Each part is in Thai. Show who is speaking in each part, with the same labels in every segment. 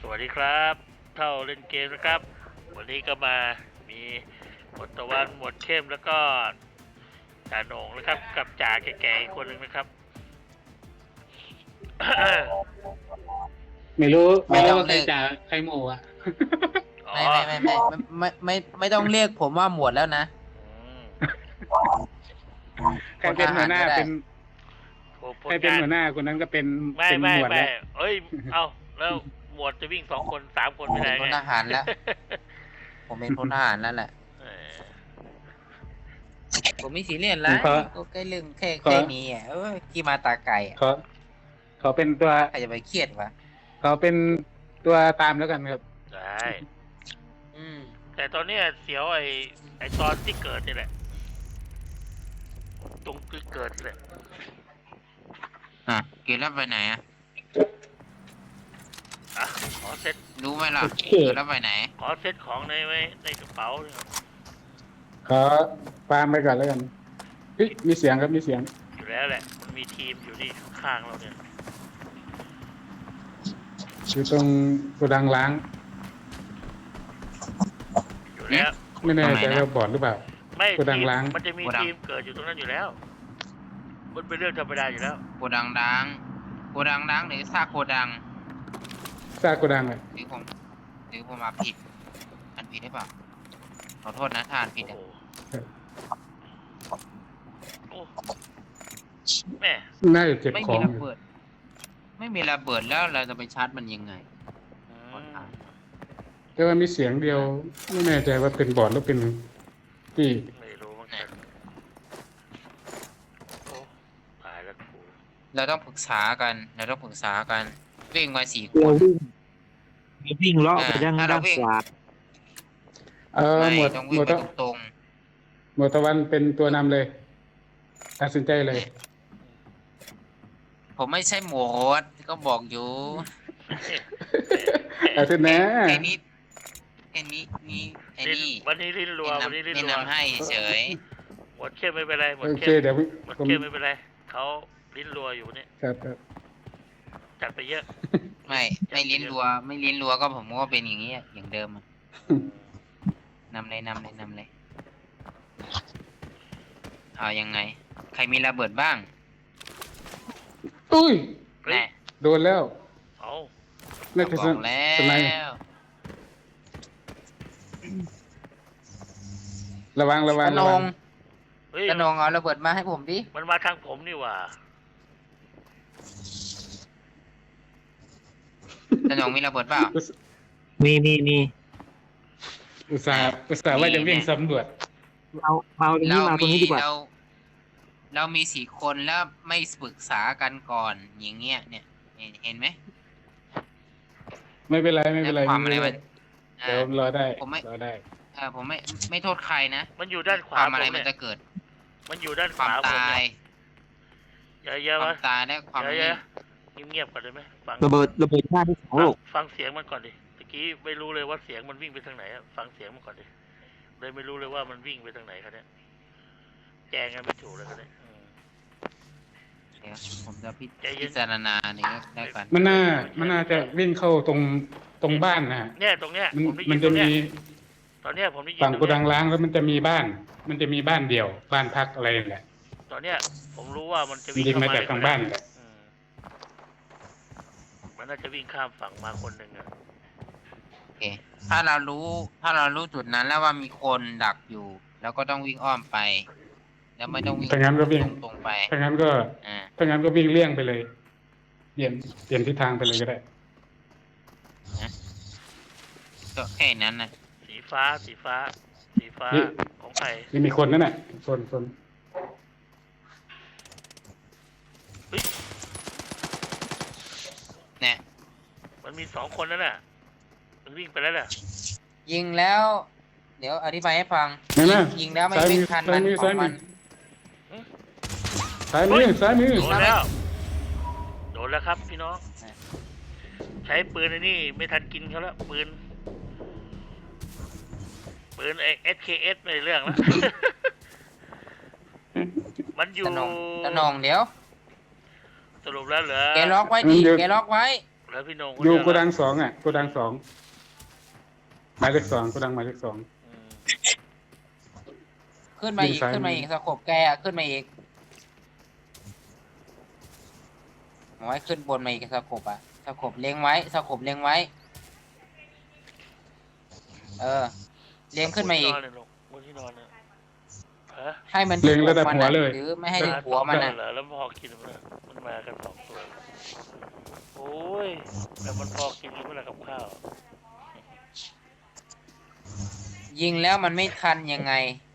Speaker 1: วัสดีครับเท่าเล่นเกมนะครับวันนี้ก็มามีหมวดตะวันหมวดเข้มแล้วก็จ่าโหน่งนะครับกับจ่าแก่ๆอีกคนหนึ่งนะครับ
Speaker 2: ไม่รู้
Speaker 3: ไม่
Speaker 2: ไม่
Speaker 3: ต้
Speaker 2: รู้
Speaker 3: อง
Speaker 2: ว่าใคร
Speaker 3: เรียก
Speaker 2: จ่าใครหมู่อ่ะ
Speaker 1: อ๋อ
Speaker 3: ไม่ต้องเรียกผมว่าหมวดแล้วนะ
Speaker 1: อืม
Speaker 2: ใครเป็นหัวหน้า
Speaker 3: คนทหารก็ได้
Speaker 2: เป็น
Speaker 1: ผ
Speaker 2: ใคร
Speaker 1: ล
Speaker 2: เป็น
Speaker 1: งาน
Speaker 2: หัวหน้าคนนั้นก็เป็น
Speaker 1: ไม่
Speaker 2: เป็น
Speaker 1: ไม่
Speaker 2: หมวด
Speaker 1: ไม่
Speaker 2: แล้ว
Speaker 1: เอ้ยเอาแล้วหมวดจะวิ่ง2 คน3 คนไม่ได้
Speaker 3: เป็นพล
Speaker 1: ไง
Speaker 3: ทหารแล้ว ผมเป็นพลทหารแล้วแหละ
Speaker 1: เออ
Speaker 3: ผมไม่ซีเรียสแล้วก็แค่เรื่องแค่นี้อ่ะที่มาตาไก่อ่ะ
Speaker 2: เขาเป็นตัว
Speaker 3: ใครจะไปเครียดวะ
Speaker 2: เขาเป็นตัวตามแล้วกันครับ
Speaker 1: ได้
Speaker 3: อืม
Speaker 1: แต่ตอนเนี้ยเสียวไอ้ตอนที่เกิดนี่แหละตรงที่เกิดเลย
Speaker 3: เกลียดแล้วไปไหนอ่ะ
Speaker 1: อ่ะขอเซ็ต
Speaker 3: รู้ไหมล่ะ
Speaker 2: โอเค
Speaker 3: เกลียดแล้วไปไหน
Speaker 1: ขอเซ็ตของในไว้ในกระเป๋าเนี่ย
Speaker 2: ขอฟาร์มไปก่อนแล้วกันเฮ้ยมีเสียงครับมีเสียง
Speaker 1: อยู่แล้วแหละมันมีทีมอยู่นี่ข้างๆเราเนี่ย
Speaker 2: อยู่ตรงโกดังล้าง
Speaker 1: อยู่แล้ว
Speaker 2: ไม่แน่ใจ
Speaker 3: ตรงไหนนะ
Speaker 2: ว่าบอดหรือเปล่า
Speaker 1: ไม่
Speaker 2: โกดัง
Speaker 1: ทีม
Speaker 2: ล้าง
Speaker 1: มันจะมี
Speaker 3: โกดัง
Speaker 1: ทีมเกิดอยู่ตรงนั้นอยู่แล้วมันเป็นเรื่องธรรมดาอยู่แล้ว
Speaker 3: โกดังดังหรือซากโกดัง
Speaker 2: ซากโกดังอ่ะ
Speaker 3: หรือผมมาผิดอันผิดหรือเปล่าขอโทษนะถ้าอันผิด
Speaker 1: โอ้
Speaker 3: อ่ะ
Speaker 1: โหโอ้แม่
Speaker 2: น่าจะเจ็บ
Speaker 3: ไม่
Speaker 2: ขอ
Speaker 3: มี
Speaker 2: ง
Speaker 3: ระ
Speaker 2: อยู่
Speaker 3: เบิด ไม่มีระเบิดแล้วเราจะไปชาร์จมันยังไง
Speaker 1: อื
Speaker 3: ขอ
Speaker 1: ม
Speaker 3: ถาม
Speaker 2: แต่ว่ามีเสียงเดียว ไม่แน่ใจว่าเป็นบอดหรือเป็นที่
Speaker 1: ไม่รู้เหมือนกันโอ้ตายแล้วกู
Speaker 3: เราต้องปรึกษากันวิ่งมา4 ค
Speaker 4: เรา
Speaker 3: น
Speaker 4: วิ่งเลาะไปด้าน
Speaker 3: ถ้าเรา
Speaker 4: ด้าน
Speaker 3: วิ่ง
Speaker 4: ขวา
Speaker 2: หม
Speaker 3: ไม่
Speaker 2: วด
Speaker 3: ต้อง
Speaker 2: ห
Speaker 3: วิ่
Speaker 2: ม
Speaker 3: ง
Speaker 2: วด
Speaker 3: ไป
Speaker 2: ตะ
Speaker 3: ตรง
Speaker 2: หมวดตะวันเป็นตัวนำเลยตัดสินใจเลย
Speaker 3: ๆผมไม่ใช่หมวดก็บอกอยู่
Speaker 2: เอาเถอะนะ
Speaker 3: ไอ้นี่ไอ้นี่ไอ้นี่
Speaker 1: วันนี้ลิ้นรัววันนี้ลิ้น
Speaker 3: แนะ
Speaker 1: รัวน
Speaker 3: ำให้เฉย
Speaker 1: หมดเข้มไม่เป็นไรหมด
Speaker 2: โอเค
Speaker 1: เข้ม
Speaker 2: เดี๋ยว
Speaker 1: หมด
Speaker 2: ผม
Speaker 1: เข้มไม่เป็นไรเขาลิ้นรัวอยู่เนี่ย
Speaker 2: ครับครับ
Speaker 1: จัดไปเยอะ
Speaker 3: ไม่ลิ้นรัวก็ผมก็เป็นอย่างนี้อะอย่างเดิมอะนำเลยเอายังไง ใครมีระเบิดบ้าง
Speaker 2: อุ้ย
Speaker 1: เฮ้ย
Speaker 3: แน่
Speaker 2: โดนแล้ว
Speaker 1: เอา
Speaker 2: น่าจะ
Speaker 3: บ
Speaker 2: ส
Speaker 3: อกแล้
Speaker 2: สไนป์
Speaker 3: ว
Speaker 2: ระวัง
Speaker 3: กระน
Speaker 2: ระวั
Speaker 3: ง
Speaker 1: เฮ้ย
Speaker 3: กระนงเอาระเบิดมาให้ผมดิ
Speaker 1: มันมาทางผมนี่หว่า
Speaker 3: กระนงมีระเบิดเปล่า
Speaker 4: มี
Speaker 2: อุตส่าห์ว่าจะวิ่งสำรวจ
Speaker 4: เอาตรงนี้มาตรงนี้ดีกว่า
Speaker 3: เรามี4 คนแล้วไม่ปรึกษากันก่อนอย่างเงี้ยเนี่ยเห็นไหม
Speaker 2: ไม่เป็นไรไม่
Speaker 3: แล้
Speaker 2: เป็น
Speaker 3: ว
Speaker 2: ไร
Speaker 3: ความอะไร
Speaker 2: ไม่
Speaker 3: มั
Speaker 2: เป็น
Speaker 3: น
Speaker 2: ไรเดี๋ยวรอได้
Speaker 3: ผมไม่
Speaker 2: รอได้
Speaker 3: ผมไม่โทษใครนะ
Speaker 1: มันอยู่ด้านขวาว
Speaker 3: คามอะไร
Speaker 1: ผม
Speaker 3: มัน
Speaker 1: เนี่ย
Speaker 3: จะเกิด
Speaker 1: มันอยู่ด้านข
Speaker 3: ความ
Speaker 1: วาผม
Speaker 3: ตา
Speaker 1: เนี่ย
Speaker 3: ย
Speaker 1: เยอะๆะ
Speaker 3: คววามตายและความ
Speaker 1: เย
Speaker 3: นี่
Speaker 1: อะๆเงียบๆก่อนได้ไหมฟัง
Speaker 4: ระเบิดหน้าที่2ลูก
Speaker 1: ฟังเสียงมันก่อนดิตะกี้ไม่รู้เลยว่าเสียงมันวิ่งไปทางไหนอะฟังเสียงมันก่อนดิเลยไม่รู้เลยว่ามันวิ่งไปทางไหนครับเนี่ยแจงกันไม่ถูกเลยครับเนี่ยอืม
Speaker 3: เดี๋ยวผมจะ
Speaker 1: ใจเย็น
Speaker 3: พิจารณาเนี่ยได้กัน
Speaker 2: มันน่าจะวิ่งเข้าตรงบ้านนะฮะ
Speaker 1: เนี่ยตรงเนี้ย
Speaker 2: มัน
Speaker 1: ผมได้ยิ
Speaker 2: มัน
Speaker 1: นต
Speaker 2: จะ
Speaker 1: รงเนี้
Speaker 2: มี
Speaker 1: ยตอนเนี้ยผมได้ยิน
Speaker 2: ฝั่ง
Speaker 1: ตรง
Speaker 2: โกดัง
Speaker 1: เนี้ย
Speaker 2: ล้างแล้วมันจะมีบ้าน มันจะมีบ้านเดี่ยว บ้านพักอะไรแหละ
Speaker 1: ตอนเนี้ยผมรู้ว่ามันจะ
Speaker 2: มัน
Speaker 1: วิ่ง
Speaker 2: ยิง
Speaker 1: เข้า
Speaker 2: มา
Speaker 1: มา
Speaker 2: จากทางบ้านแหละ
Speaker 1: อืมมันน่าจะวิ่งข้ามฝั่งมาคนหนึ่งอะ
Speaker 3: โอเคถ้าเรารู้จุดนั้นแล้วว่ามีคนดักอยู่ แล้วก็ต้องวิ่งอ้อมไป แล้วไม่ต้องวิ่ง
Speaker 2: ถ้างั้นก็วิ่ง
Speaker 3: ตรงไป
Speaker 2: ถ้างั้นก็
Speaker 3: อ่า
Speaker 2: วิ่งเลี่ยงไปเลยเปลี่ยนทิศทางไปเลยก็ได้
Speaker 3: ก็แค่นั้นนะ
Speaker 1: สีฟ้าของใคร
Speaker 2: นี่มีคนนั่นน่ะคน
Speaker 3: เนี่ย
Speaker 1: มันมี2 คนนั่นน่ะมันวิ่งไปแล้วน่ะ
Speaker 3: ยิงแล้ว เดี๋ยวอธิบายให้ฟัง
Speaker 2: นั่นน่ะ
Speaker 3: ยิงแล้วไม่
Speaker 2: ซ้าย
Speaker 3: ไม่
Speaker 2: มือ
Speaker 3: ทัน
Speaker 2: ซ้า
Speaker 3: มั
Speaker 2: ย
Speaker 3: น
Speaker 2: มือ
Speaker 3: ขอ
Speaker 2: ซ้าย
Speaker 3: ง
Speaker 2: มื
Speaker 3: มั
Speaker 2: อน ซ้ายมือ
Speaker 1: โดนแล้วโดนแล้วครับพี่น้องใช้ปืนไอ้นี่ไม่ทันกินเขาแล้วปืนไอ้ SKS ไม่เรื่องแล้ว มันอยู่
Speaker 3: ตะนองเดี๋ยว
Speaker 1: สรุปแล้วเหรอ
Speaker 3: แกล็อกไว้ดิแกล็อกไว้
Speaker 1: แล้วพี่โหนงคน
Speaker 2: อยู่
Speaker 1: เดีว
Speaker 2: โกดังสองอ่ะโกดังสองหมายเลขสองโกดังหมายเลขสอง
Speaker 1: อืม
Speaker 3: ขึ้นมาอีก
Speaker 2: ยิงซ้าย
Speaker 3: ขึ้นมาอีกสะกบแกอะขึ้นมาอีกหมายขึ้นบนมาอีกสะกบอะสะกบเลี้ยงไว้สะกบเลี้ยงไว้ เออเลี้ยงขึ้นมาอีก
Speaker 1: บนที่นอนเลยลูกบนที่นอนเนี่ยฮะ
Speaker 3: ให้มัน
Speaker 2: เล็งระดับ
Speaker 3: มัน
Speaker 2: หัว
Speaker 3: อะ
Speaker 2: เลย
Speaker 3: หรือไม่ให้ถึงหัวมัน
Speaker 1: เห
Speaker 3: อะ
Speaker 1: รอแล้วพอกินมันมากันสองตัวโอ้ยแล้วมันพอกินหรือเปล่ากับข้าว
Speaker 3: ยิงแล้วมันไม่ทันยังไง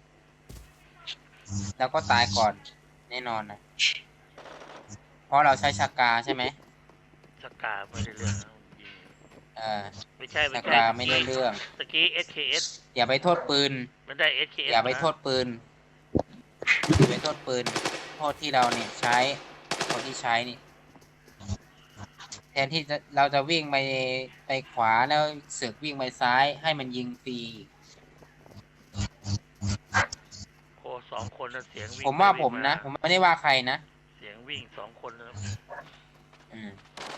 Speaker 3: แล้วก็ตายก่อนแน่นอนนะเพราะเราใช้ชากาใช่ไหม
Speaker 1: สกาไม่ได้เรื่องนะยิง
Speaker 3: เออ
Speaker 1: ไม่ใช่
Speaker 3: ชา
Speaker 1: ไม่ใช่
Speaker 3: กาไม่ได้เรื่อง
Speaker 1: ตะกี้ SKS
Speaker 3: อย่าไปโทษปืน
Speaker 1: มันได้ SKS
Speaker 3: อย่าไป
Speaker 1: นะ
Speaker 3: โทษปืนอย่าไปโทษปืนโทษที่เราเนี่ยใช้คนที่ใช้นี่แทนที่เราจะวิ่งไปขวาแล้วเสือกวิ่งไปซ้ายให้มันยิงฟรี
Speaker 1: โอ้สองคนนะเสียงวิ่ง
Speaker 3: ผมว่า
Speaker 1: ไป
Speaker 3: ผม
Speaker 1: วิ่ง
Speaker 3: นะผมไม่ได้ว่าใครนะ
Speaker 1: เสียงวิ่งสองคนนะ
Speaker 3: อืม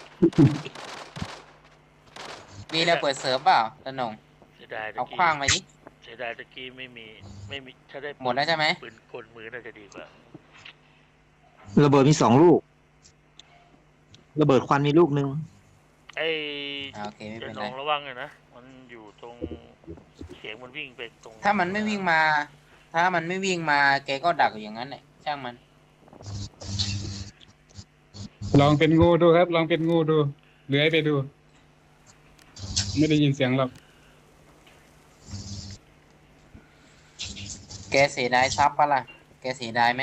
Speaker 3: มีระเบิดเสริมเปล่าตะหนง
Speaker 1: เสียดายตะ
Speaker 3: เอา
Speaker 1: กี้
Speaker 3: คว้างมาดิ
Speaker 1: เสียดายตะกี้ไม่มีถ้าได้
Speaker 3: หมดแล้วใช่ไหม
Speaker 1: ปืนกลมือน่าจะดีกว่า
Speaker 4: ระเบิดมี2 ลูก ระเบิดควันมีลูกนึง
Speaker 1: ไอ้
Speaker 3: โอเคไม่
Speaker 1: จะ
Speaker 3: เป็น
Speaker 1: น
Speaker 3: ไร
Speaker 1: องระวังเลยนะมันอยู่ตรงเสียงมันวิ่งไปตรง
Speaker 3: ถ้ามันไม่วิ่งมา ถ้ามันไม่วิ่งมาแกก็ดักอยู่อย่างนั้นแหละช่างมัน
Speaker 2: ลองเป็นงูดูครับ ลองเป็นงูดูเลื้อยไปดู ไม่ได้ยินเสียงหรอก
Speaker 3: แกเสียดายทรัพย์ปะล่ะแกเสียดายไหม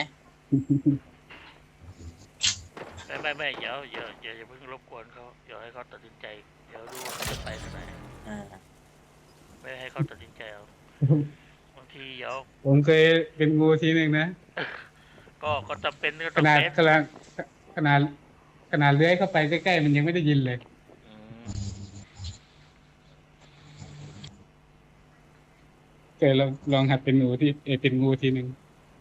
Speaker 1: ไม่อย่าเพิ่งรบกวนเขาเดี๋ยวให้เขาตัดสินใจเดี๋ยวดูว่าเขาจะไปทางไหน
Speaker 3: อ่า
Speaker 1: ไม่ให้เขาตัดสินใจเอาบางทีเดี๋ยว
Speaker 2: ผมเคยเป็นงูทีหนึ่งนะ
Speaker 1: ก็จำเป็นก็
Speaker 2: ข
Speaker 1: ต้อง
Speaker 2: นาด
Speaker 1: เป็น
Speaker 2: ขนาดขนาดเลื้อยเข้าไปใกล้ๆมันยังไม่ได้ยินเลย
Speaker 1: อืม
Speaker 2: เคยลองหัดเป็นหนูที่เป็นงูทีหนึ่ง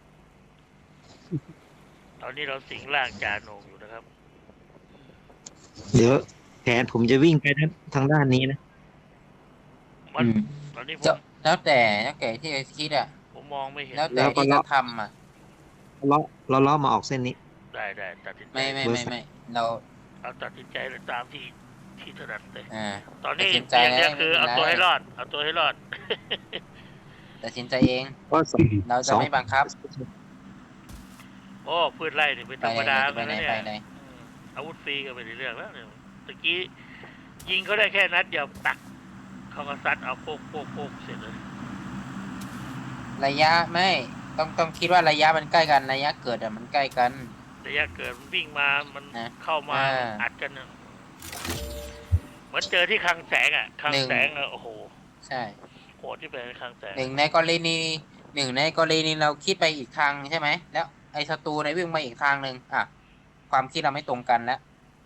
Speaker 1: ตอนนี้เราสิงร่างจาโหนงอยู่นะครับ
Speaker 4: เดี๋ยวแผนผมจะวิ่งไปทางด้านนี้นะ
Speaker 1: มัน
Speaker 3: อืม
Speaker 1: ตอนนี้ผ
Speaker 3: จะ
Speaker 1: ม
Speaker 3: แล้วแต่ที่คิดอะ
Speaker 1: ผมมองไม่เห็น
Speaker 3: แล้วแต่ที่จะทำอะ
Speaker 4: เลาะมาออกเส้นนี้
Speaker 1: ได้ตัดสินใจ
Speaker 3: ไม่เรา
Speaker 1: เอาตัดสินใจเลยตามที่ถนัดเลย
Speaker 3: อ่า
Speaker 1: ตอนนี้
Speaker 3: ตัดสินใจ
Speaker 1: อย่างเดียว
Speaker 3: แล้ว
Speaker 1: คือ
Speaker 3: ไม่
Speaker 1: เอา
Speaker 3: เป็นไร
Speaker 1: ตัวให้รอด เอาตัวให้รอด
Speaker 3: ตัดสินใจเอง
Speaker 4: ก็สอง
Speaker 3: เราจะไม่บังคับ
Speaker 1: โอ้พืชไร่นี่เป็น
Speaker 3: ไป
Speaker 1: ธรรม
Speaker 3: ไหน
Speaker 1: ดา
Speaker 3: ไปไหน
Speaker 1: เนี่ย
Speaker 3: ไปไหน
Speaker 1: อาวุธฟรีก็ไม่ได้เรื่องแล้วเนี่ยตะกี้ยิงเขาได้แค่นัดเดียวตักเขาก็ซัดเอาโป๊กเสร็จเลย
Speaker 3: ระยะไม่ต้องคิดว่าระยะมันใกล้กันระยะเกิดอะมันใกล้กัน
Speaker 1: ระยะเกิดมันวิ่งมามัน
Speaker 3: นะ
Speaker 1: เข้ามา
Speaker 3: อ่า
Speaker 1: อัดกันน่ะเหมือนเจอที่คลังแสงอ่ะคลัง
Speaker 3: หนึ่ง
Speaker 1: แสงอ่ะโอ้โห
Speaker 3: ใช่
Speaker 1: โหดที่เป็นคลังแสง
Speaker 3: หนึ่งในกรณีเราคิดไปอีกทางใช่ไหมแล้วไอ้ศัตรูในวิ่งมาอีกทางหนึ่งอ่ะความคิดเราไม่ตรงกันแล้ว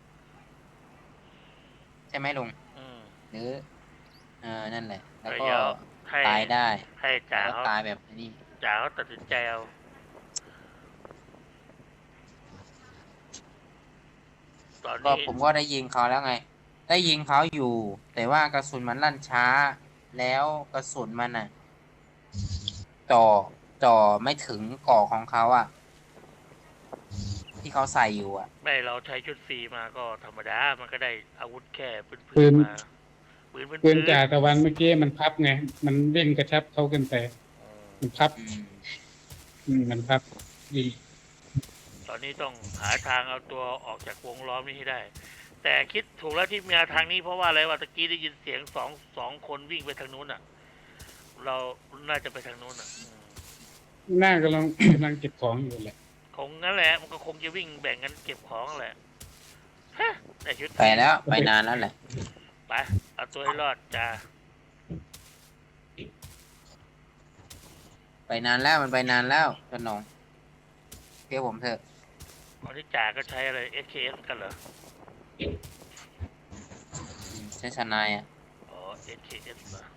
Speaker 3: ใช่ไหมลุง
Speaker 1: อืม
Speaker 3: หรือนั่นแหละ แล้ว
Speaker 1: แต่
Speaker 3: ก็
Speaker 1: เดี๋ยวให้
Speaker 3: ตายได้
Speaker 1: ให้จ่า
Speaker 3: แล้ว
Speaker 1: เขา
Speaker 3: ตายแบบนี้
Speaker 1: จ่าเขาตัดสินใจเอาตอน
Speaker 3: ก็
Speaker 1: นี้
Speaker 3: ผมก็ได้ยิงเขาแล้วไง ได้ยิงเขาอยู่ แต่ว่ากระสุนมันลั่นช้า แล้วกระสุนมันอ่ะจ่อไม่ถึงเกาะของเขาอ่ะ ที่เขาใส่อยู่อ่ะ
Speaker 1: ไม่เราใช้ชุดฟรีมาก็ธรรมดา มันก็ได้อาวุธแค่พื้
Speaker 2: ปื
Speaker 1: น
Speaker 2: น
Speaker 1: ๆมาปืน
Speaker 2: ปืนจ่าตะวันเมื่อกี้มันพับไง มันเร่งกระชับเขาเกินไปมันพับ มันพับยิง
Speaker 1: ตอนนี้ต้องหาทางเอาตัวออกจากวงล้อมนี้ให้ได้ แต่คิดถูกแล้วที่มาทางนี้เพราะว่าอะไรวะตะกี้ได้ยินเสียงสองคนวิ่งไปทางนู้นอ่ะ เราน่าจะไปทางนู้นอ่ะ
Speaker 2: หน้ากำลังเก็บของอยู่แหละ
Speaker 1: คงงั้นแหละมันก็คงจะวิ่งแบ่งกันเก็บของแหละฮะแต่ชุด
Speaker 3: ไปแล้ว ไปนานแล้วแหละ
Speaker 1: ไปเอาตัวให้รอดจ้า
Speaker 3: ไปนานแล้วมันไปนานแล้วจนหนงเชื่อผมเถอะ
Speaker 1: ตอนนี้จ่าก็ใช้อะไร SKS กันเหรอ
Speaker 3: ใช้ชนายอ่ะ
Speaker 1: อ๋อ SKS เหรอ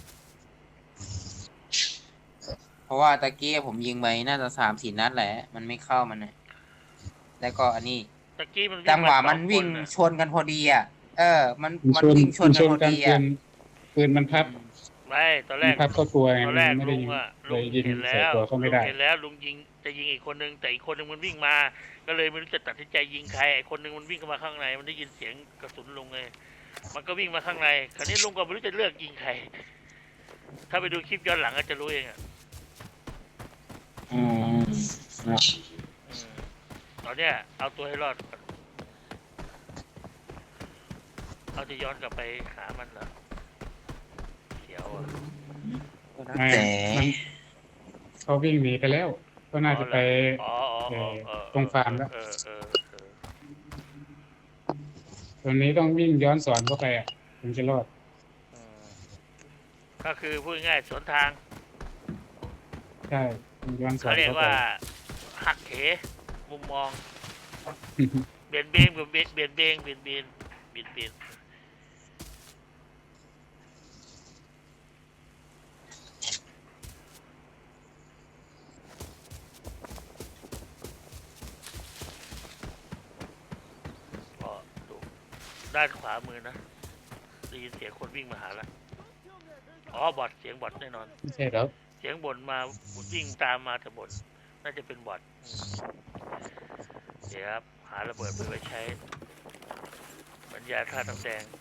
Speaker 3: เพราะว่าตะกี้ผมยิงไปน่าจะ3-4 นัดแหละ มันไม่เข้ามันนะแล้วก็อันนี้
Speaker 1: ตะกี้มัน
Speaker 3: จังหวะ
Speaker 1: า
Speaker 3: มันวิ่ง
Speaker 1: สอค
Speaker 3: ชนกันพอดีอ่ะมัน
Speaker 2: มัน
Speaker 3: มัน
Speaker 2: ชน
Speaker 3: วิ่งช
Speaker 2: มัน นช
Speaker 3: กัน
Speaker 2: น
Speaker 3: พอ
Speaker 2: กัน
Speaker 3: ดี
Speaker 2: ปืนมันพับ
Speaker 1: ไม่ตอนแร
Speaker 2: มัน
Speaker 1: ก
Speaker 2: พับเข้าตัวไง
Speaker 1: ตอน
Speaker 2: มัน
Speaker 1: แรก
Speaker 2: ไม่ได้
Speaker 1: ลุ
Speaker 2: ยิ
Speaker 1: ง
Speaker 2: ง
Speaker 1: อะ
Speaker 2: เล
Speaker 1: ลุง
Speaker 2: ยยิง
Speaker 1: เห็น
Speaker 2: ใส่
Speaker 1: แล้ว
Speaker 2: ตัวเขา
Speaker 1: ลุ
Speaker 2: ไม่
Speaker 1: ง
Speaker 2: ได้
Speaker 1: เห็นแล้วลุงยิงจะยิงอีกคนนึงแต่อีกคนนึงมันวิ่งมา ก็เลยไม่รู้จะตัดสินใจยิงใครไอ้คนนึงมันวิ่งเข้ามาข้างในมันได้ยินเสียงกระสุนลุงไงมันก็วิ่งมาข้างในคราวนี้ลุงก็ไม่รู้จะเลือกยิงใครถ้าไปดูคลิปย้อนหลังก็จะรู้เองอะ
Speaker 2: อ๋อนะ
Speaker 1: อืมตอนเนี้ยเอาตัวให้รอดก่อนเอาจะย้อนกลับไปหามันเหรอเขียวอ่ะ
Speaker 2: ไม่
Speaker 3: แต่
Speaker 2: มันเขาวิ่งหนีไปแล้ว ก็น่าจะไป
Speaker 1: อ๋ออ๋อ
Speaker 2: ตรงฟาร์มแล้ว
Speaker 1: เออ
Speaker 2: ตอนนี้ต้องวิ่งย้อนสอนเข้าไปอ่ะถึงจะรอด
Speaker 1: อืมก็คือพูดง่ายๆสวนทาง
Speaker 2: ใช่ต้องย้อนสอ
Speaker 1: เขา
Speaker 2: น
Speaker 1: เรียก
Speaker 2: เข้าไป
Speaker 1: ว่าหักเหมุมมองเบียนเบงเบียนเบียนเบงเบียนเบียนเบียนเบียนก็ดูด้านขวามือนะได้ยินเสียงคนวิ่งมาหาละอ๋อบอทเสียงบอทแน่นอน
Speaker 2: ไม่ใช่แล้ว
Speaker 1: เสียงบ่นมาวิ่งตามมาแต่บ่นน่าจะเป็นบอทเดี๋ยวครับหาระเบิดไปไว้ใช้บรรยาท่าน้ำแดง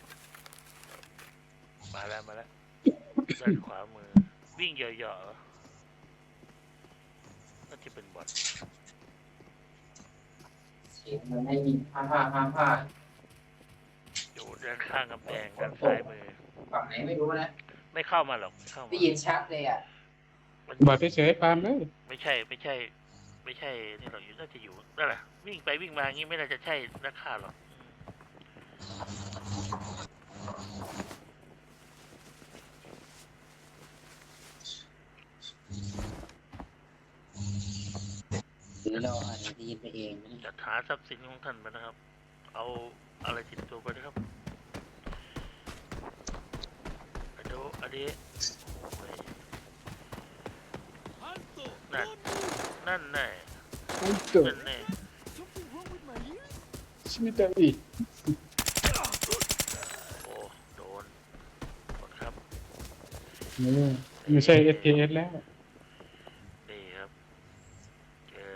Speaker 1: มาแล้วด้านขวามือวิ่งเหยาะๆเหรอน่าจะเป็นบอท
Speaker 3: มันไม่มีผ้า
Speaker 1: อยู่ด้านข้างกำแพงด้านซ้ายมือ
Speaker 3: ฝั่งไหนไม่รู้นะ
Speaker 1: ไม่เข้ามาหรอกไม่เข้า
Speaker 3: ได้
Speaker 1: มา
Speaker 3: ยินชัดเลยอ่ะ
Speaker 1: มัน
Speaker 2: บอดเฉยๆฟาร์มเลย
Speaker 1: ไม่ใช่นี่หรอกอยู่น่าจะอยู่นั่นแหละวิ่งไปวิ่งมาอย่างนี้ไม่น่าจะใช่นักฆ่าหรอก
Speaker 3: หรือเราอาจจะได้ยินไปเอง
Speaker 1: จัดหาทรัพย์สินของท่านไปนะครับ เอาอะไรติดตัวไปนะครับดูอันนี้โอ้ยนั่นแน่
Speaker 2: ไอ้เกิด
Speaker 1: นั่นแน่
Speaker 2: ชิมิตาอีก
Speaker 1: โอ้โดนหมดครับ
Speaker 2: ไม่ใช่ SKS แล้ว
Speaker 1: นี่ครับเจอ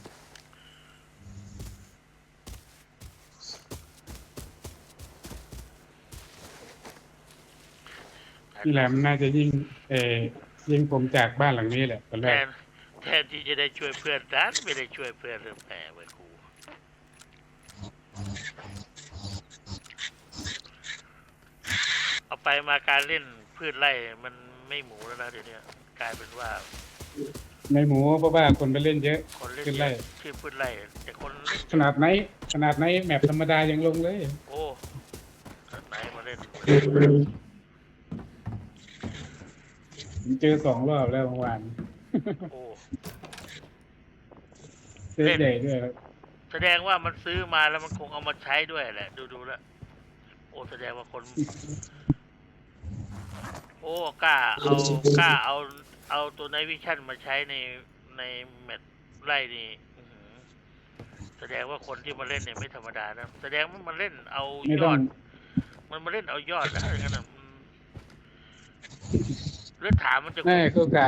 Speaker 2: พี่แหลมน่าจะยิงผมจากบ้านหลังนี้แหละตอนแรก
Speaker 1: แทนที่จะได้ช่วยเพื่อนดันไม่ได้ช่วยเพื่อนเรื่องแผลไว้ครูเอาไปมาการเล่นพืชไร่มันไม่หมูแล้วนะเดี๋ยวนี้กลายเป็นว่า
Speaker 2: ในหมูเพราะว่าคนไปเล่นเยอะ
Speaker 1: คนเล่น
Speaker 2: พืช
Speaker 1: เย
Speaker 2: ไร่
Speaker 1: อะชื่อพืชไร่แต่คนเล่น
Speaker 2: ขนาดไหนแมปธรรมดายังลงเลย
Speaker 1: โอ้ไหนมาเล่น
Speaker 2: เจอ2 รอบแล้วเมื่อวาน
Speaker 1: โอ้
Speaker 2: เซตใหญ่ด้วยครับ
Speaker 1: แสดงว่ามันซื้อมาแล้วมันคงเอามาใช้ด้วยแหละดูแล้วโอ้แสดงว่าคน โอ้กล้าเอาตัวไนวิชั่นมาใช้ในแมตช์ไล่นี่อื้อหือแสดงว่าคนที่มาเล่นเนี่ยไม่ธรรมดานะแสดงว่ามันเล่นเอา
Speaker 2: ไม่
Speaker 1: ย
Speaker 2: ต้อ
Speaker 1: อง ด มันมาเล่นเอายอดนะอย่างนั้นนะเลือดถามมันจะ
Speaker 2: แม่ก็กะ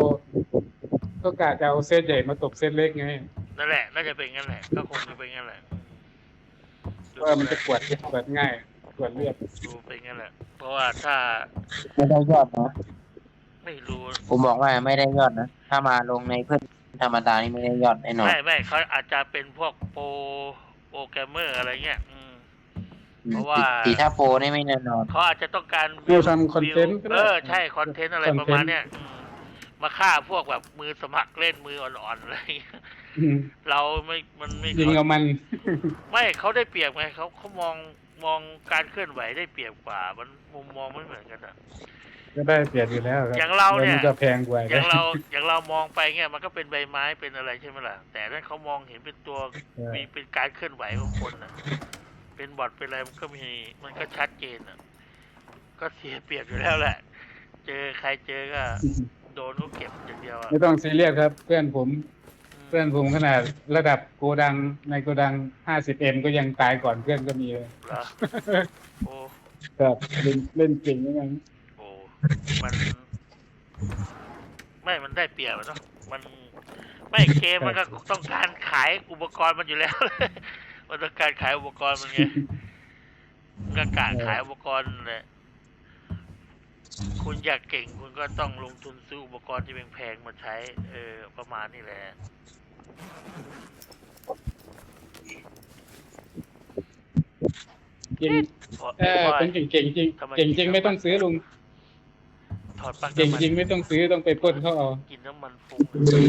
Speaker 2: จะเอาเซตใหญ่มาตบเซตเล็กไง
Speaker 1: นั่นแหละน่าจะเป็นงั้นแหละก็คงจะเป็นงั้นแหละ
Speaker 2: ว่ามันจะกวดง่ายกวดเลือด
Speaker 1: ดูเป็นงั้นแหละเพราะว่าถ้า
Speaker 3: ไม่ได้ยอดนะ
Speaker 1: ไม่รู้
Speaker 3: ผมบอกว่าไม่ได้ยอดนะ ถ้ามาลงในเพื่อนธรรมดานี่ไม่ได้ยอดแน่นอน
Speaker 1: ไม่เขาอาจจะเป็นพวกโปรแกรมเมอร์อะไรเงี้ยเพราะว่า
Speaker 3: ตีถ้าโปรนี่ไม่แน่นอน
Speaker 1: เขาอาจจะต้องการ
Speaker 2: เราทำคอนเทนต์ก็ได้
Speaker 1: ใช่คอนเทนต์อะไรประมาณเนี้ยมาฆ่าพวกแบบมือสมัครเล่นมืออ่อนๆอะไรเงี้ย
Speaker 2: อืม
Speaker 1: เรามันไม่
Speaker 2: ยิงเอามัน
Speaker 1: ไม่เขาได้เปรียบไงเขามองการเคลื่อนไหวได้เปรียบกว่ามันมุมมองไม่เหมือนกันอะ
Speaker 2: ก็ได้เปรียบอยู่แล้วครับ
Speaker 1: อย่างเราเนี่ย
Speaker 2: แล้วมันก็แพงกว่า
Speaker 1: อย่างเรามองไปเงี้ยมันก็เป็นใบไม้เป็นอะไรใช่ไหมล่ะแต่นั่นเขามองเห็นเป็นตัวมีเป็นการเคลื่อนไหวของคนนะเป็นบอทเป็นอะไรมันก็ชัดเจนอ่ะก็เสียเปรียบอยู่แล้วแหละ เจอใครเจอก็โดนก็เก็บอย่างเดียวอ่ะ
Speaker 2: ไม่ต้องซีเรียสครับ เพื่อนผมขนาดระดับโกดังในโกดัง 50M ก็ยังตายก่อนเพื่อนก็มีเลย
Speaker 1: เหรอ
Speaker 2: ครับเล่นเก่งยังไง
Speaker 1: โอ้ มัน ไม่มันได้เปรียบอะเนาะมันไม่เกมมันก็ต้องการขายอุปกรณ์มันอยู่แล้ว มันต้องการขายอุปกรณ์มันไงมันก็กะขายอุปกรณ์แหละคุณอยากเก่งคุณก็ต้องลงทุนซื้ออุปกรณ์ที่แพงๆมาใช้ ประมาณนี้แหละ
Speaker 2: เก่ง
Speaker 1: พอ
Speaker 2: เป็นเก่งจริงเก่งจริงไม่ต้องซื้อลุง
Speaker 1: ถอดปลั๊ก
Speaker 2: เก่ง
Speaker 1: น้ำมัน
Speaker 2: จริงไม่ต้องซื้อต้องไปปล้นเขาเอา
Speaker 1: กินน้ำมันฟุ้ง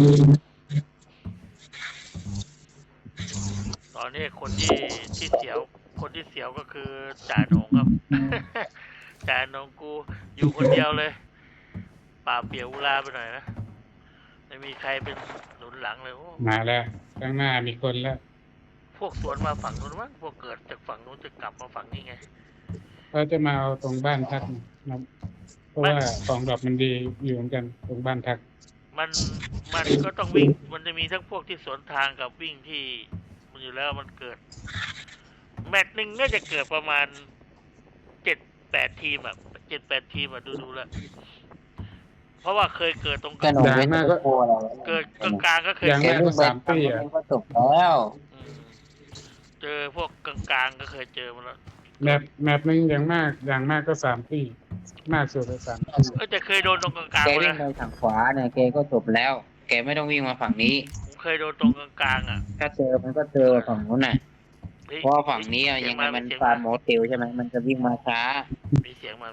Speaker 1: ตอนนี้คนที่เสียวคนที่เสียวก็คือจ่าหนงครับ จ่าหนงกูอยู่คนเดียวเลยป่าเปียกอุราไปหน่อยนะไม่มีใครเป็นหนุนหลังเลยโอ้
Speaker 2: มาแล้วข้างหน้ามีคนแล้ว
Speaker 1: พวกสวนมาฝั่งนู้นมั้งพวกเกิดจากฝั่งนู้นจะกลับมาฝั่งนี้ไง
Speaker 2: เขาจะมาเอาตรงบ้านพักนะเพราะว่าของดอกมันดีอยู่เหมือนกันตรงบ้านพัก
Speaker 1: มันก็ต้องวิ่ง มันจะมีทั้งพวกที่สวนทางกับวิ่งที่มันอยู่แล้วมันเกิด แมตช์หนึ่งน่าจะเกิดประมาณ7-8 ทีมอ่ะ7-8 ทีมอ่ะดูแล้ว เพราะว่าเคยเกิดตรง
Speaker 3: ก็หนูเว้นก็กลัวเรา
Speaker 1: เกิดกลางๆก็เคย
Speaker 2: อย่าง
Speaker 3: แก
Speaker 2: แรก
Speaker 3: วิ่
Speaker 2: ก็
Speaker 3: งไป
Speaker 2: 3 ปีอ่ะ
Speaker 3: ก็จบแล้ว
Speaker 1: อืมเจอพวกกลางๆก็เคยเจอมาแล้ว
Speaker 2: แมปนึงอย่างมากก็3 ปีมากสุดเลย3 ปี
Speaker 1: แต่เคยโดนตรงกลาง
Speaker 3: แก
Speaker 1: ๆ
Speaker 3: วิ่ง
Speaker 1: นะ
Speaker 3: ไปทางขวาเนี่ยแกก็จบแล้ว แกไม่ต้องวิ่งมาฝั่งนี้
Speaker 1: ผมเคยโดนตรงกลางๆอ่ะ
Speaker 3: ถ้าเจอมันก็เจอฝั่งนู้นน่ะ
Speaker 1: ฮ้ย
Speaker 3: เพราะว่าฝั่งนี้อะ
Speaker 1: เสี
Speaker 3: ยังไง
Speaker 1: มา
Speaker 3: มัน
Speaker 1: เสีย
Speaker 3: ฟาร์มโมเตลใช่ไหมมันจะวิ่งมาช้า
Speaker 1: มีเสียงมา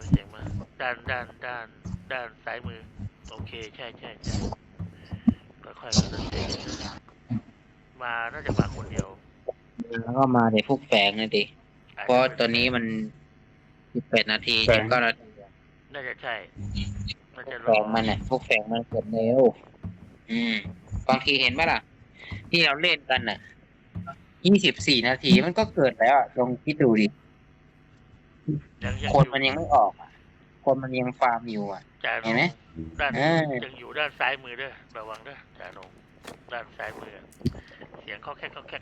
Speaker 1: ด้านซ้ายมือ โอเคใช่ค่อยๆมาน่าจะมาคนเดียว
Speaker 3: แล้วก็มาเดี๋ยวพวกแฝงเลยดิเพราะตอนนี้มัน18 นาที19 นาที
Speaker 1: น่าจะใช่น่าจะร
Speaker 3: แฝ
Speaker 1: อง
Speaker 3: มันน่ะพวกแฝงมันเกิดเร็วบางทีเห็นไหมล่ะ ที่เราเล่นกันน่ะ24 นาทีมันก็เกิดแล้วอะลองคิดดูดิ
Speaker 1: ยัง
Speaker 3: คนมันยังไม่ออกอะคนมันยังฟาร์มอยู่อ่ะ
Speaker 1: จ่าหน
Speaker 3: เห็นไหม
Speaker 1: ด้าน
Speaker 3: เออ
Speaker 1: ยังอยู่ด้านซ้ายมือเด้อระวังเด้อจ่าหนงด้านซ้ายมือ เสียงเขาแค่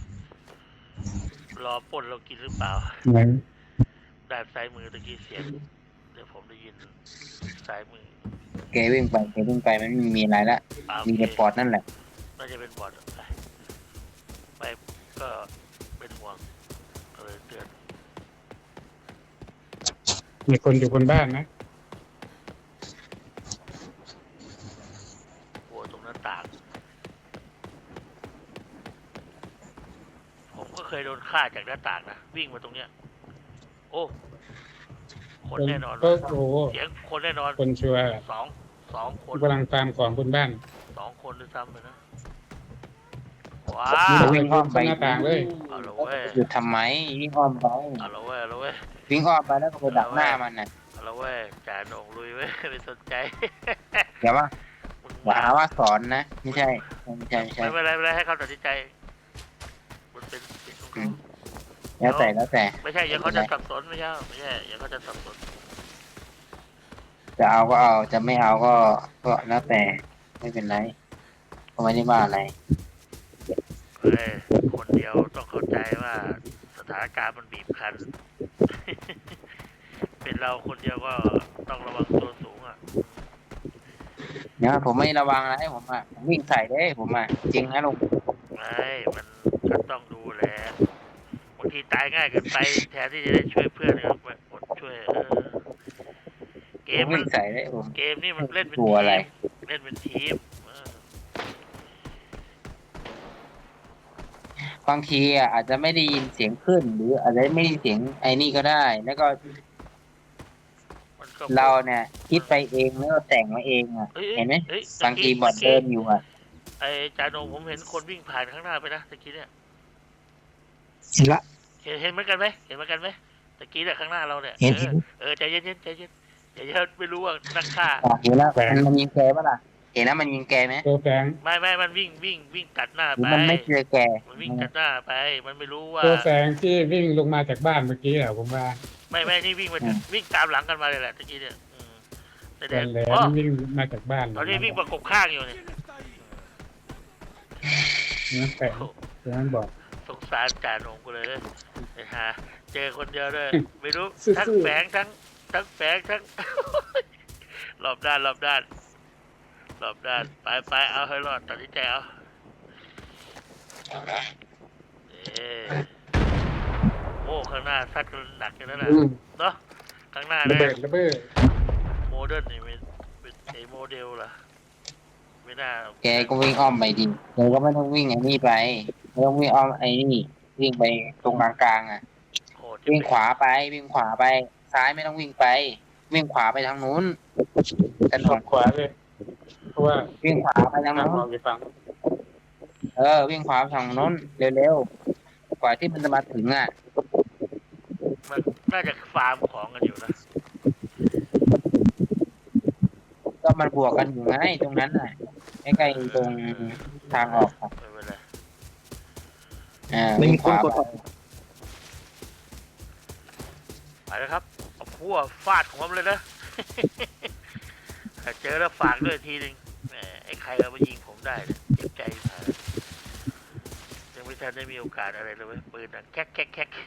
Speaker 1: รอปล้นเรากินหรือเปล่า
Speaker 2: ไหน
Speaker 1: ด้านซ้ายมือตะกี้เสียงเดี๋ยวผมได้ยินซ้ายมือ
Speaker 3: แกวิ่งไปมันไม่มีอะไรละ
Speaker 1: อ่า
Speaker 3: มีแต่ปอดนั่นแหละ
Speaker 1: น่าจะเป็นบอดไปก็เป็นห่วงก็เลยเตือน
Speaker 2: มีคนอยู่บนบ้านนะ
Speaker 1: หัวตรงหน้าต่าง ผมก็เคยโดนฆ่าจากหน้าต่างนะวิ่งมาตรงเนี้ย โอ้คนแน่นอน
Speaker 2: ก็โอ้โห
Speaker 1: เสียงคนแน่นอน
Speaker 2: คนชัวร์
Speaker 1: สองคน
Speaker 2: กำลังฟาร์มของบนบ้าน
Speaker 1: 2 คนด้วยซ้ำเลยนะว้า
Speaker 2: มี
Speaker 1: ว
Speaker 2: วิ่งอ้อมไปหน้าต่างเลย
Speaker 1: เอาละเว้ย
Speaker 3: หยุดทำไมวิ่งอ้อมไป
Speaker 1: เอาละเว้ย
Speaker 3: วิ่งอ้อมไปแล้วก็ไปดักหน้ามันน่ะ
Speaker 1: เอาละเว้ยจ่าโหนงลุยเว้ย ไม่สนใจ
Speaker 3: อย่าว่า
Speaker 1: มึง
Speaker 3: อย่าหาว่าสอนนะไม่ใช่
Speaker 1: ไม่เป็นไรให้เขาตัดสินใจมันเป็นสิทธิ์ของเขา
Speaker 3: แล้วแต่
Speaker 1: ไม่ใช่อย่าเขาจะสับสนไม่ใช่อย่าเขาจะสับสน
Speaker 3: จะเอาก็เอาจะไม่เอาก็แล้วแต่ไม่เป็นไรก็ไม่ได้ว่าอะไร
Speaker 1: เฮ้ยคนเดียวต้องเข้าใจว่าสถานการณ์มันบีบคั้น เป็นเราคนเดียวก็ต้องระวังตัวสูงอ่ะ
Speaker 3: เนี่ยผมไม่ระวังอะไรผมวิ่งใส่ได้ผมจริงนะลุง
Speaker 1: ไม่มันก็ต้องดูแลบางทีตายง่ายเกินไปแทนที่จะได้ช่วยเพื่อนก็อดช่วยเกมมั
Speaker 3: วิ่
Speaker 1: น
Speaker 3: งใส่ได้ผม
Speaker 1: เกมนี่มันเล่นเป็น
Speaker 3: กลั
Speaker 1: ที
Speaker 3: วอะไร
Speaker 1: มเล่นเป็นทีม
Speaker 3: บางทีอาจจะไม่ได้ยินเสียงขึ้น หรืออาจจะไม่ได้ยินเสียงไอ้นี่ก็ได้ แล้วก็
Speaker 1: มันก็
Speaker 3: เราเนี่ย คิดไปเองแล้วก็แต่งมาเองเห็นไหม
Speaker 1: อ้ย
Speaker 3: บางทีบอดเดินอยู่
Speaker 1: ไอ้จาโนผมเห็นคนวิ่งผ่านข้างหน้าไปนะตะกี้เนี่ย
Speaker 4: เห็นละ
Speaker 1: เห็นเหมือนกันไหมตะกี้เนี่ยข้างหน้าเราเนี่ย
Speaker 4: เห็น
Speaker 1: ใจเย็นอย่าไม่รู้ว่านักฆ่า
Speaker 3: เห็นแล้วมันยิงแกปะล่ะเห็นแล้วมันยิงแกไหม
Speaker 2: ตัวแฝง
Speaker 1: ไม่มันวิ่งตัดหน้า
Speaker 3: หรือ
Speaker 1: ไป
Speaker 3: มันไม่เจอแก
Speaker 1: มันวิ่งตัดหน้าไป มันไม่รู้ว่า
Speaker 2: ตัวแฝงที่วิ่งลงมาจากบ้านเมื่อกี้อะผมว่า
Speaker 1: ไม่นี่วิ่งมาวิ่งตามหลังกันมาเลยแหละตะกี้เนี่ยแต่
Speaker 2: แหล
Speaker 1: เด็ก
Speaker 2: มๆวิ่งมาจากบ้าน
Speaker 1: ตอนนี้วิ่งประกบข้างอยู่เนี่ย
Speaker 2: นั่นแฝงตัวนั้นบอก
Speaker 1: สงสารจ่าโหนงกูเลยไอ้ฮะเจอคนเดียวด้วยไม่รู้
Speaker 2: สู้ๆ
Speaker 1: ทั้งแฝงทั้งแฝงทั้ง รอบด้านไปเอาให้รอดตัดสินใจเอาโอ้ข้างหน้าซัดกันหนักกันนั่นแหละ
Speaker 2: อืม
Speaker 1: เนาะข้างหน้า
Speaker 2: ระ
Speaker 1: เนี่ย
Speaker 2: เบิดระเบิด
Speaker 1: โมเดิร์นนี่เป็นไอโมเดลล่ะไม่น่า
Speaker 3: แกก็วิ่งอ้อมไปดิแกก็ไม่ต้องวิ่งไอ้นี่ไปไม่ต้องวิ่งอ้อมไอ้นี่วิ่งไปตรงกลางๆอ่ะ
Speaker 1: โหด
Speaker 3: วิ่งขวาไปซ้ายไม่ต้องวิ่งไป วิ่งขวาไปทางนู้นถน
Speaker 2: ขั
Speaker 3: น
Speaker 2: บขวาเลย เพราะว่า
Speaker 3: วิ่งขวาไปทาง
Speaker 2: ทาง
Speaker 3: นู้น
Speaker 2: เราไปฟัง
Speaker 3: วิ่งขวาไปทางนู้นเร็วๆกว่าที่มันจะมาถึงอ่ะ
Speaker 1: มันน่าจะฟาร์มของกันอยู่นะ
Speaker 3: ก็มันบวกกันอยู่ไงตรงนั้นน่ะใกล้ๆตรงทางออกครับ
Speaker 1: ไม่เป็นไร
Speaker 4: ไม่
Speaker 3: วิ่ง
Speaker 4: มี
Speaker 3: ข
Speaker 4: คน
Speaker 3: วาก
Speaker 4: ด
Speaker 3: ไป
Speaker 4: ออก
Speaker 1: ไปแล้วครับเอาพั่วฟาดของมันเลยนะ ถ้าเจอแล้วฝากด้วยทีหนึ่งแหมไอ้ใครเอามายิงผมได้เนี่ยเจ็บใจมากยังไม่ทันได้มีโอกาสอะไรเลยเว้ยปืนอ่ะแคก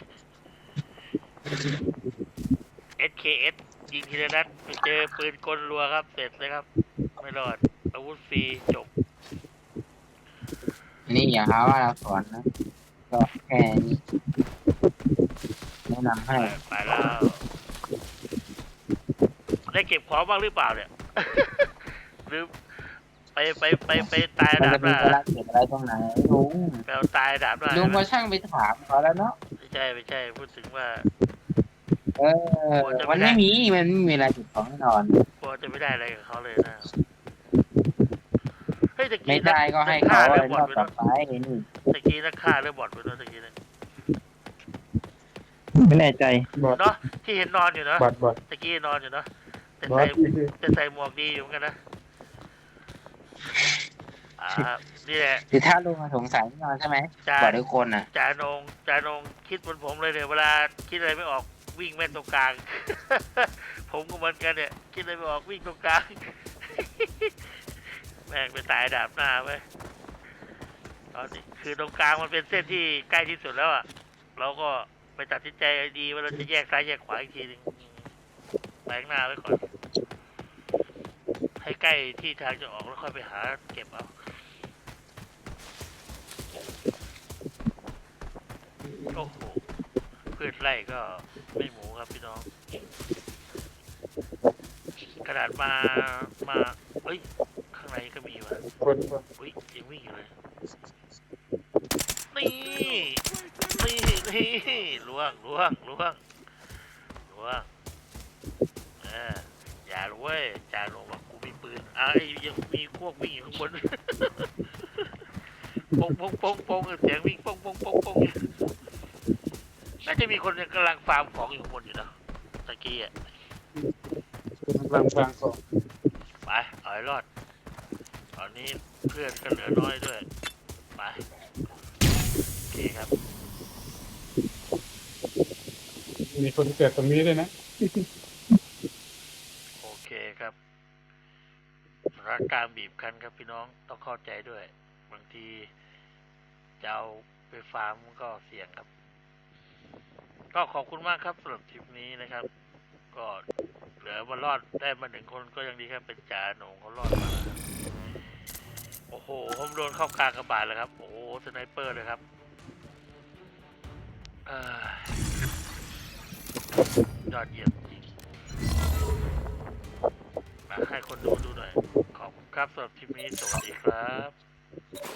Speaker 1: SKS ยิงทีละนัดไปเจอปืนกลรัวครับเสร็จเลยครับ ไม่รอดอาวุธฟรีจบ
Speaker 3: นี่อย่าหาว่าเราสอนนะก็แค่นี้แนะนำให้
Speaker 1: ไปแล้ว ได้เก็บของบ้างหรือเปล่าเนี่ย หรือไปตาย
Speaker 3: มัน
Speaker 1: ดา
Speaker 3: จะ
Speaker 1: บห
Speaker 3: มี
Speaker 1: น้า
Speaker 3: เวลาเก็บอะไรตรงไหนลุง
Speaker 1: แปลตายดาบหน้า
Speaker 3: ลุงก็ช่างไปถามเขาแล้วเนาะ
Speaker 1: ไม่ใช่พูดถึงว่า
Speaker 3: มันไม่มีเวลาเก็บของแน่นอน
Speaker 1: กลัวจะไม่ได้อะไรกับเขาเลยนะเฮ้ยตะ
Speaker 3: ไม่
Speaker 1: กี้
Speaker 3: ได้ก็ให้
Speaker 1: ฆ่า
Speaker 3: เขา
Speaker 1: เรื่อบอ
Speaker 3: รอ
Speaker 1: ด
Speaker 3: บ
Speaker 1: ไป
Speaker 3: ต่อ
Speaker 1: เนาะ
Speaker 3: ไปนี่
Speaker 1: ตะกี้นักฆ่าเรือบอดไปเนาะตะกี้นะ
Speaker 4: ไม่แน่ใจ
Speaker 2: บอด
Speaker 1: เนาะที่เห็นนอนอยู่เนาะ
Speaker 2: บอด
Speaker 1: ตะกี้นอนอยู่เนาะแต่
Speaker 2: บอ
Speaker 1: ใส่
Speaker 2: ด
Speaker 1: ใส่หมวกดีอยู่เหมือนกันนะนี่แหละ
Speaker 3: คือถ้าลุงสงสัยแน่นอนใช่ไหม
Speaker 1: จ่า
Speaker 3: บอกทุกคนน่ะ
Speaker 1: จ่านงคิดบนผมเลยเนี่ยเวลาคิดอะไรไม่ออกวิ่งแม่นตรงกลาง ผมก็เหมือนกันเนี่ยคิดอะไรไม่ออกวิ่งตรงกลาง แม่งไปตายดาบหน้าไปตอนนี้คือตรงกลางมันเป็นเส้นที่ใกล้ที่สุดแล้วอ่ะเราก็ไปตัดสินใจดีว่าเราจะแยกซ้ายแยกขวาอีกทีหนึงแบงหน้าไว้ก่อนให้ใกล้ที่ทางจะออกแล้วค่อยไปหาเก็บเอาโอ้โหพืชไร่ก็ไม่หมูครับพี่น้องขนาดมาเอ้ยข้างในก็มีว่ะ
Speaker 2: คน
Speaker 1: อุ้ยยังวิ่งอยู่เลยนี่ล่วงอย่ารู้เว้ยจ่าลงบอกกูมีปืนยังมีพวกวิ่งอยู่ข้างบน ปงเสียงวิ่งปงน่าจะมีคนกำลังฟาร์มของอยู่ข้างบนอยู่นะตะกี้อ่ะ
Speaker 2: กำลังฟังของ
Speaker 1: ไปเอาให้รอดตอนนี้เพื่อนก็เหลือน้อยด้วยไปโอเคครับ
Speaker 2: มีคนเกิดตรงนี้ด้วยนะ
Speaker 1: โอเคครับสถานการณ์บีบคั้นครับพี่น้องต้องเข้าใจด้วย บางทีจะเอาไปฟาร์มมันก็เสี่ยงครับ ก็ขอบคุณมากครับสำหรับทริปนี้นะครับ ก็เหลือมารอดได้มา1 คนก็ยังดีครับเป็นจ่าโหน่งเขารอดมาแล้วครับโอ้โหผมโดนเข้ากลางกระบาดเลยครับโอ้โหสไนเปอร์เลยครับยอดเยี่ยมจริงมาให้คนดูหน่อยขอบคุณครับสำหรับทริปนี้สวัสดีครับ